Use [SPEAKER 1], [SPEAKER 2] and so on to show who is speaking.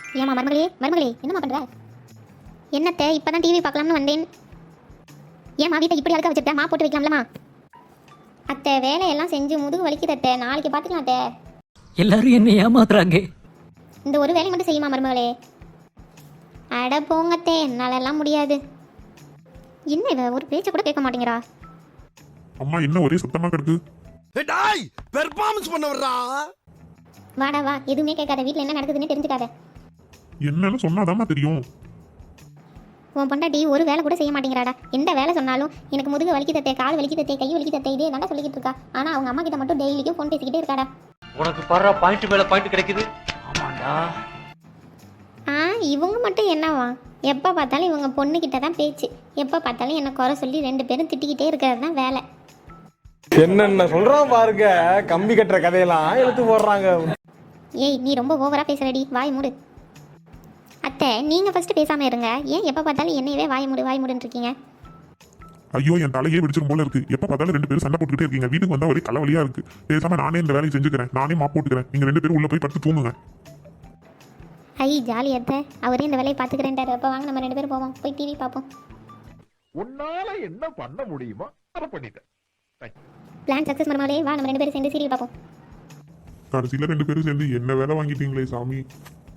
[SPEAKER 1] ஏமா மருமகளே மருமகளே என்னம்மா பண்ற? என்னத்தை இப்பதான் டிவி பார்க்கலாம்னு வந்தேன். ஏமா வீட்டை இப்படி அழுக்க வச்சுட்டேன், மா போட்டு வைக்கலாம்லமா? அத்தை வேலையெல்லாம் செஞ்சு முதுகு வலிக்குது அத்தை, நாளைக்கு பார்த்துக்கலாம் அத்தை.
[SPEAKER 2] எல்லாரும் என்ன ஏமாத்துறாங்க.
[SPEAKER 1] இந்த ஒரு வேலை மட்டும் செய்யுமா மருமகளே? அட போங்கத்தே, என்னாலெல்லாம் முடியாது. என்ன இவ ஒரு பேச்சை கூட கேட்க மாட்டேங்கிறா.
[SPEAKER 3] அம்மா என்ன ஒரே சத்தமா கிடக்கு?
[SPEAKER 4] டேய் பெர்ஃபார்மன்ஸ் பண்ண வர்றா.
[SPEAKER 1] வாடா வா, எதுவுமே கேட்காத, வீட்டில் என்ன நடக்குதுன்னு தெரிஞ்சுக்காத.
[SPEAKER 3] என்னன்னு சொன்னாதாம்மா தெரியும்.
[SPEAKER 1] உன் பொண்டாட்டி ஒரு வேலை கூட செய்ய மாட்டேங்கிறாடா. எந்த வேலை சொன்னாலும் எனக்கு முதுகு வலிக்குதத்தே, கால் வலிக்குதத்தே, கை வலிக்குதத்தே, இதே தாண்டா சொல்லிக்கிட்டு இருக்கா. ஆனால் அவங்க அம்மா கிட்ட மட்டும் டெய்லிக்கும் ஃபோன் பேசிக்கிட்டே இருக்காடா.
[SPEAKER 2] உனக்கு பாரு பாயிண்ட் மேல பாயிண்ட் கிடைக்குது. ஆமாண்டா.
[SPEAKER 1] இவங்க மட்டும் என்னவா, எப்போ பார்த்தாலும் இவங்க பொண்ணுக்கிட்ட தான் பேச்சு, எப்போ பார்த்தாலும் என்னை குறை சொல்லி ரெண்டு பேரும் திட்டிக்கிட்டே இருக்கிறது தான் வேலை.
[SPEAKER 5] என்னென்ன சொல்றான் பாருங்க, கம்பி கட்டுற கதையெல்லாம் எடுத்து போடுறாங்க.
[SPEAKER 1] ஏய் நீ ரொம்ப ஓவரா பேசுறடி, வாய் மூடு. அத்தை நீங்க ஃபர்ஸ்ட் பேசாம இருங்க, ஏன் எப்போ பார்த்தாலும் என்னையவே வாய் மூடுன்னு இருக்கீங்க?
[SPEAKER 3] ஐயோ என் தலையே வெடிச்சிரும் போல இருக்கு. எப்ப பார்த்தாலும் ரெண்டு பேரும் சண்டை போட்டுக்கிட்டே இருக்கீங்க. வீட்டுக்கு வந்தா ஒரே தலைவலியா இருக்கு. பேசாம நானே இந்த வேலையை செஞ்சுக்கிறேன், நானே மாப் போட்டுக்கிறேன். நீங்க ரெண்டு பேரும் உள்ள போய் படுத்து தூங்குங்க.
[SPEAKER 1] ஐ ஜாலி அத்தை, அவரே இந்த வேலையை பார்த்துக்கிறேன்ட்டாரு. அப்போ வாங்க நம்ம ரெண்டு பேரும் போவோம், போய் டிவி பார்ப்போம்.
[SPEAKER 6] உன்னால என்ன பண்ண முடியுமோ அதை பண்ணிட்டேன்.
[SPEAKER 1] பிளான் சக்ஸஸ் மருமகளே, வா நம்ம ரெண்டு பேரும் சேர்ந்து சீரியல் பார்ப்போம்.
[SPEAKER 3] கடைசியில ரெண்டு பேரும் சேர்ந்து என்ன வேலை வாங்கிட்டீங்களே சாமி.